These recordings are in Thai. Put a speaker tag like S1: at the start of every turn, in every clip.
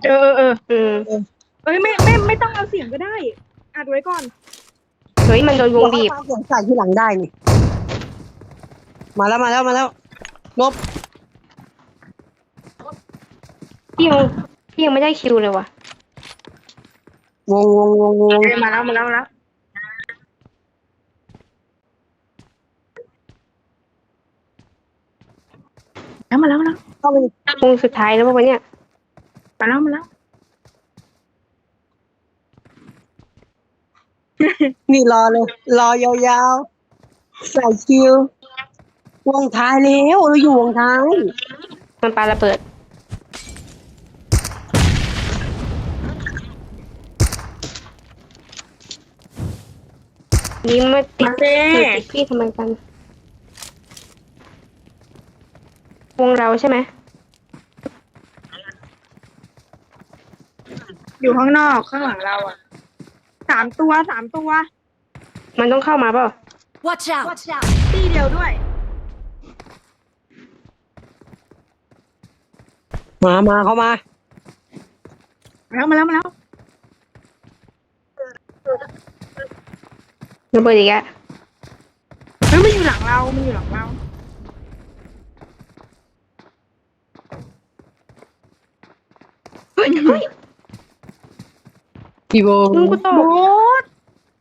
S1: อืม
S2: เอ้ยไม่ต้องเอาเสียงก็ได้อัดไว้ก่อน
S1: เฮ้ยมันโดนวงบีบ
S3: เราสงสัยที่หลังได้นี่มาแล้วลบ
S1: พี่ยังไม่ได้คิวเลยว่ะ
S3: วง
S2: มาแล้วมาแล้วมาแล้ว
S3: เข้าไป
S1: วงสุดท้ายแล้วป่ะวะเนี่ย
S2: มาแล้ว
S3: นี่รอเลยรอยาวๆใส่คิววงท้ายแล้วเราอยู่วงท้าย
S1: มันปาระเบิดยิ้มมาติดพี่ทำไมกันวงเราใช่ไหม
S2: อยู่ข้างนอกข้างหลังเราอ่ะสามตัว
S1: มันต้องเข้ามาเปล่า
S4: Watch out!
S2: ตีเดียวด้วย
S3: มาเข้ามา
S2: มาแล้ว
S1: ระเบิดอีกอะ
S2: เฮ้ยมันอยู่หลังเราเฮ้ย
S3: ปีโบ
S1: มึงกูต
S2: โบ๊
S1: ก
S2: ท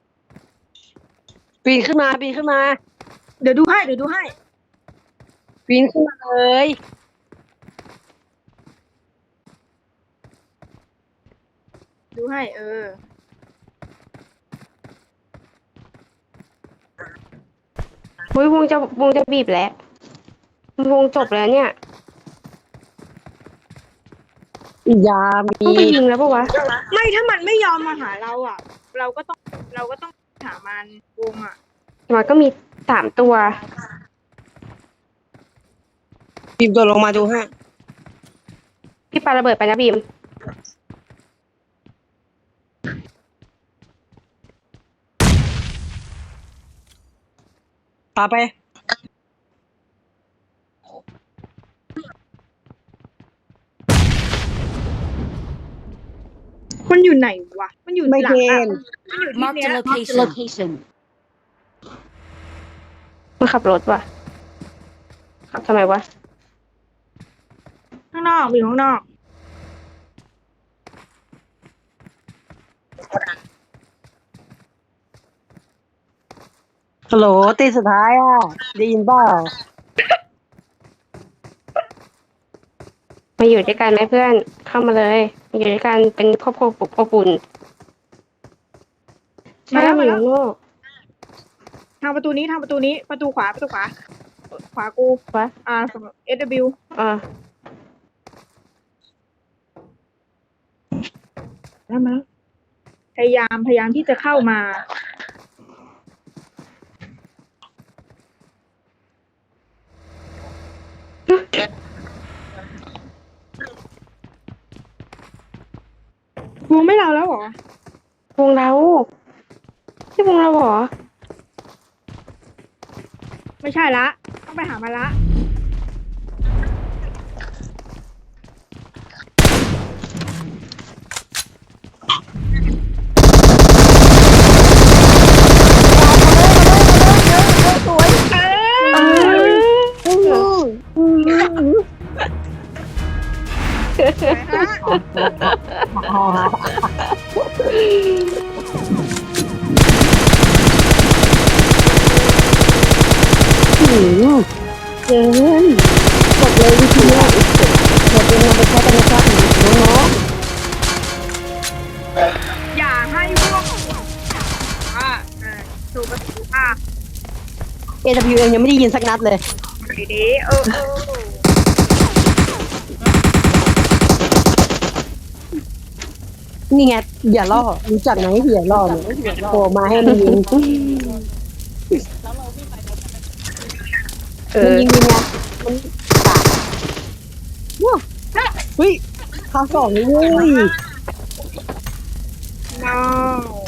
S3: ปีนขึ้นมา
S2: เดี๋ยวดูให้
S3: ปีนขึ้นมาเลย
S2: ดูให้
S1: เฮ้ยวงจะบีบแล้ววงจบแล้วเนี่ย
S3: ยามี
S1: ต้องไปยิงแล้วปะวะ
S2: ไม่ถ้ามันไม่ยอมมาหาเราอ่ะ เราก็ต้องหามันวงอ่ะ
S1: มันก็มี3 ตัว
S3: ปีนตัวลงมาดูให้
S1: พี่ปาระเบิดไปนะบีม
S3: พาไป
S2: มันอยู่ไหนวะมันอยู่
S3: ไม่
S2: หลั
S3: เก
S2: งอ่ะ
S3: ณฑ์
S2: มันอยู่ที่
S4: Mark
S2: เนี้
S4: the
S2: ย
S4: location.
S1: มันขับรถว่ะขับทำไมวะ
S2: ข้างนอกอยู่ข้างนอก
S3: ฮัลโหลตีสุดท้ายอ่ะได้ยินเปล่า
S1: มาอยู่ด้วยกันไหมเพื่อน เข้ามาเลยมาอยู่ด้วยกันเป็นครอบครัวอบอุ่นใช่ไหมอยู่ข้างนอก
S2: ทางประตูนี้ประตูขวาขวากู
S1: วะ
S2: SW
S1: อ่า
S2: ได้ไหมพยายามที่จะเข้ามา วงไม่เราแล้วเหรอ
S1: วงเราใช่วงเราเหรอ
S2: ไม่ใช่ละ ต้องไปหามาละสวย
S3: เกินจบเลยวิธีนี้เราเป็นนำไปใช้กันนะครับน้อง
S2: อย่าให้พวกถูกประตู
S3: ๆ AWM ยังไม่ได้ยินสักนัดเลย
S2: ดี
S3: นี่ไงอย่าล่อรู้จักไหมอย่าล่อเนี่ยโผล่มาให้มันยิงมันยิงไงมันปาดว้าเฮ้ยข้าวสองนี่เว้ย
S2: no